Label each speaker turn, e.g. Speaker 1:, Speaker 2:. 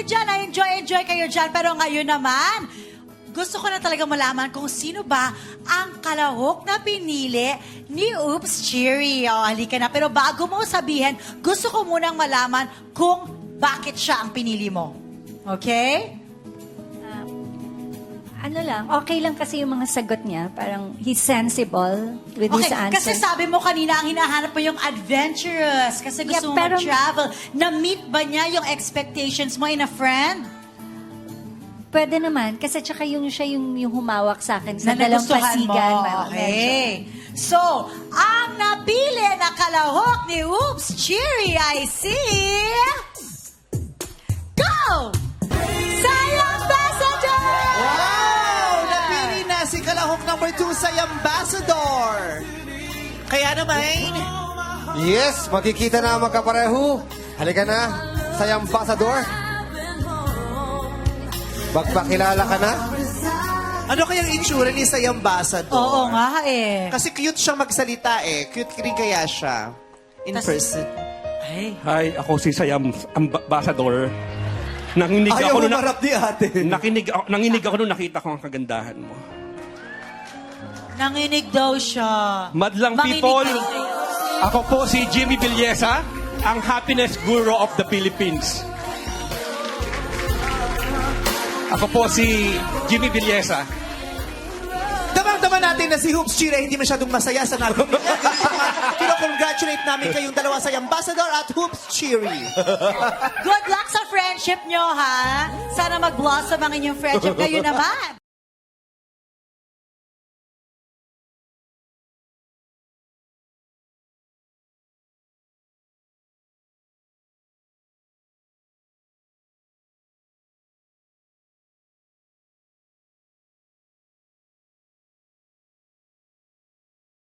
Speaker 1: dyan, enjoy kayo dyan. Pero ngayon naman, gusto ko na talaga malaman kung sino ba ang kalahok na pinili ni Oops Cheery. O, halika na. Pero bago mo sabihin, gusto ko munang malaman kung bakit siya ang pinili mo. Okay?
Speaker 2: Ano lang, okay lang kasi yung mga sagot niya. Parang he's sensible with his
Speaker 1: Okay, kasi
Speaker 2: answers.
Speaker 1: sabi mo kanina, ang hinahanap mo yung adventurous. Kasi gusto mo
Speaker 2: pero-
Speaker 1: mag-travel. Na-meet ba niya yung expectations mo in a friend?
Speaker 2: Pwede naman, kasi tsaka siya yung humawak sa akin sa
Speaker 1: Na
Speaker 2: dalawang
Speaker 1: nagustuhan mo.
Speaker 2: pasigan.
Speaker 1: Okay. So, ang napili na kalahok ni Oops Cheery ay si... Go! Sayang Ambassador!
Speaker 3: Wow! Napili na si kalahok number 2 sa Ambassador. Kaya naman,
Speaker 4: Yes, magkikita na ang magkapareho. Halika na sa Ambassador. Magpakilala ka na.
Speaker 3: ano kayang itsura ni sa Ambassador?
Speaker 1: Oo nga eh.
Speaker 3: Kasi cute siyang magsalita eh. Cute rin kaya siya. In
Speaker 1: Tas-
Speaker 3: person.
Speaker 1: Ay.
Speaker 5: Hi, ako si Sayam Ambassador. Nanginig
Speaker 4: Ayaw
Speaker 5: ako nung
Speaker 4: humarap ni ate.
Speaker 5: nanginig ako nung nakita ko ang kagandahan mo.
Speaker 1: Nanginig daw siya.
Speaker 5: Madlang
Speaker 1: Manginig
Speaker 5: people,
Speaker 1: daw.
Speaker 5: ako po si Jimmy Villesa, ang happiness guru of the Philippines. Ako po si Jimmy Villesa.
Speaker 3: Damang-daman natin na si Hoops Chira hindi masyadong masaya sa natin. Pero congratulate namin kayong dalawa sa Ambassador at Hoops Cheery.
Speaker 1: Good luck sa friendship nyo, ha? Sana mag-blossom ang inyong friendship. Kayo naman.